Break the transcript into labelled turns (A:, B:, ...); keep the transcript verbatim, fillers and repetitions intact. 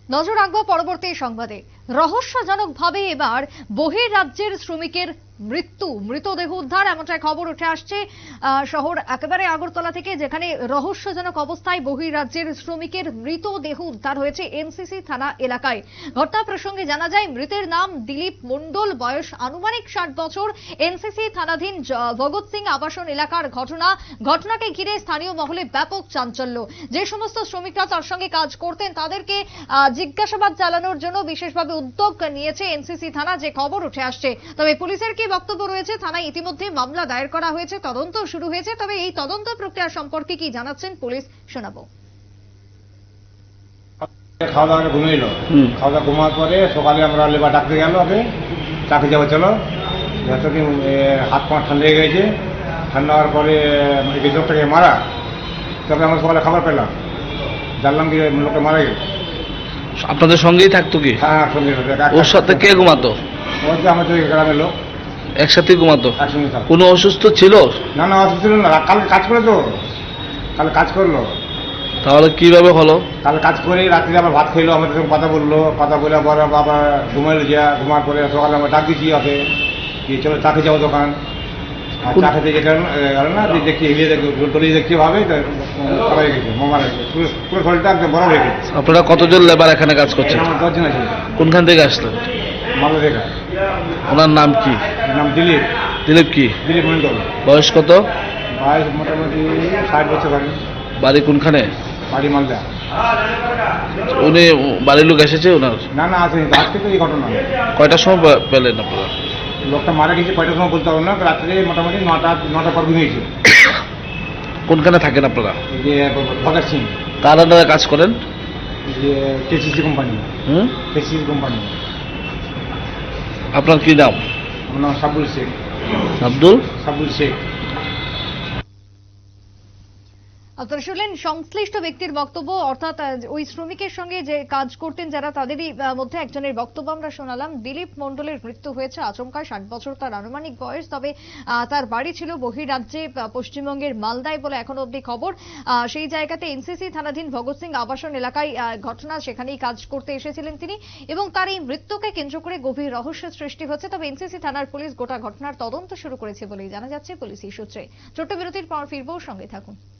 A: নজর রাখবো পরবর্তী সংবাদে। রহস্যজনকভাবে এবার বহির্রাজ্যের শ্রমিকের মৃত্যু, মৃতদেহ উদ্ধার, এমনটাই খবর উঠে আসছে শহর একেবারে আগরতলা থেকে, যেখানে রহস্যজনক অবস্থায় বহির্রাজ্যের শ্রমিকের মৃতদেহ উদ্ধার হয়েছে এনসিসি থানা এলাকায়। ঘটনা প্রসঙ্গে জানা যায়, মৃতের নাম দিলীপ মণ্ডল, বয়স আনুমানিক ষাট বছর। এনসিসি থানাধীন ভগৎ সিং আবাসন এলাকার ঘটনা। ঘটনাকে ঘিরে স্থানীয় মহলে ব্যাপক চাঞ্চল্য। যে সমস্ত শ্রমিকরা তার সঙ্গে কাজ করতেন তাদেরকে জিজ্ঞাসাবাদ চালানোর জন্য বিশেষভাবে উদ্যোগ নিয়েছে এনসিসি থানা, যে খবর উঠে আসছে। তবে পুলিশের কি বক্তব্য রয়েছে, থানায় ইতিমধ্যে মামলা দায়ের করা হয়েছে, তদন্ত শুরু হয়েছে। তবে এই তদন্ত প্রক্রিয়া সম্পর্কে কি জানাচ্ছেন পুলিশ, শোনাবো।
B: খাওয়া দাওয়া ঘুমিয়ে এলো, খাওয়া দাওয়া ঘুমার পরে সকালে আমরা লেবার ডাকতে গেল, ওকে চাকরি যাবো চলো, যতদিন হাত পা ঠান্ডা হয়ে গেছে। ঠান্ডা হওয়ার পরে এই লোকটাকে মারা, তবে আমরা সকালে খাবার পেলাম, জানলাম কি লোকটা মারা গেল।
C: আপনাদের সঙ্গেই থাকতো কি?
B: হ্যাঁ সঙ্গে।
C: ওর সাথে কে ঘুমাতো?
B: ওই যে আমাদের গ্রামের লোক
C: একসাথে ঘুমাতো।
B: একসঙ্গে থাকতো।
C: কোনো অসুস্থ ছিল?
B: না না অসুস্থ ছিল না, কালকে কাজ করে তো, কাল কাজ করলো।
C: তাহলে কিভাবে হলো?
B: কাল কাজ করে রাত্রে আবার ভাত খেলো, আমাদের সঙ্গে কথা বললো, কথা বলে পরে আবার ঘুমাইলো, যা ঘুমার পরে সকালে আমরা ডাক দিচ্ছি ওকে কি চলো চা খেয়ে যাবো দোকান। আর চা খেতে যে গেল না, দেখছি এগিয়ে দেখি টলি দেখছি ভাবে সবাই গেছে, মামার পুরো পুরো শরীরটা একদম বড় হয়ে গেছে।
C: আপনারা কতজন লেবার এখানে কাজ করছেন?
B: আমার দশজন আছে।
C: কোনখান থেকে আসলেন?
B: মালদা থেকে।
C: ওনার নাম কি?
B: নাম দিলীপ।
C: দিলীপ কি?
B: দিলীপ মন্ডল।
C: বয়স কত?
B: বয়স মোটামুটি ষাট বছর হবে।
C: বাড়ি কোনখানে?
B: বাড়ি মালদা।
C: উনি বাড়ির লোক এসেছে ওনার?
B: না না আসেনি, আজকে তো এই ঘটনা।
C: কয়টার সময় পেলেন আপনারা?
B: লোকটা মারা গেছে কয়টার সময় বলতে পারবো না, রাত্রে মোটামুটি নটা নটা পর ঘুমিয়েছে।
C: কোনখানে থাকেন আপনারা?
B: এই যে ভগৎ সিং।
C: কার আন্ডারে কাজ করেন?
B: এই যে কেসিসি কোম্পানি।
C: হুম,
B: কেসিসি কোম্পানি।
C: আপনার কি নাম?
B: আমার নাম সাবুল শেখ।
C: আব্দুল
B: সাবুল শেখ।
A: আপনারা শুনলেন সংশ্লিষ্ট ব্যক্তির বক্তব্য, অর্থাৎ ওই শ্রমিকের সঙ্গে যে কাজ করতেন যারা, তাদেরই মধ্যে একজনের বক্তব্য আমরা শোনালাম। দিলীপ মণ্ডলের মৃত্যু হয়েছে আচমকা, ষাট বছর তার আনুমানিক বয়স। তবে তার বাড়ি ছিল বহির্রাজ্যে, পশ্চিমবঙ্গের মালদায় বলে এখন অবধি খবর। সেই জায়গাতে এনসিসি থানাধীন ভগৎ সিং আবাসন এলাকায় ঘটনা, সেখানেই কাজ করতে এসেছিলেন তিনি, এবং তার এই মৃত্যুকে কেন্দ্র করে গভীর রহস্যের সৃষ্টি হচ্ছে। তবে এনসিসি থানার পুলিশ গোটা ঘটনার তদন্ত শুরু করেছে বলেই জানা যাচ্ছে পুলিশি সূত্রে। ছোট্ট বিরতির পর ফিরবো, সঙ্গে থাকুন।